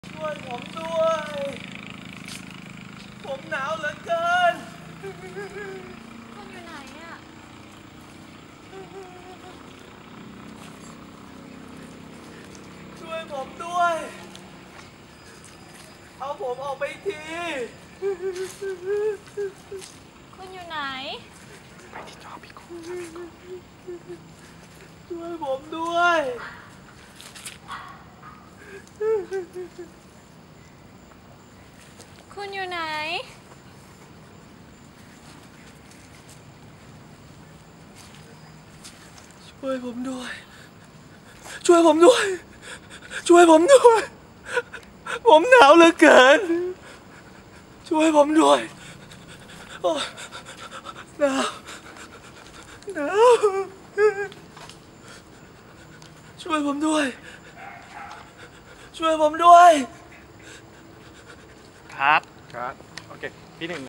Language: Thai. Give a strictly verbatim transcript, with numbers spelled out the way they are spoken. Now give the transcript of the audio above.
ช่วยผมด้วย ผมหนาวเหลือเกินคุณอยู่ไหนอะช่วยผมด้วย เอาผมออกไปทีคุณอยู่ไหนไปที่จอพี่กูช่วยผมด้วยคุณอยู่ไหนช่วยผมด้วย ช่วยผมด้วย ช่วยผมด้วย ผมหนาวเหลือเกิน ช่วยผมด้วยโอ้หนาวหนาวช่วยผมด้วย ช่วยผมด้วยครับครับโอเคพี่หนึ่ง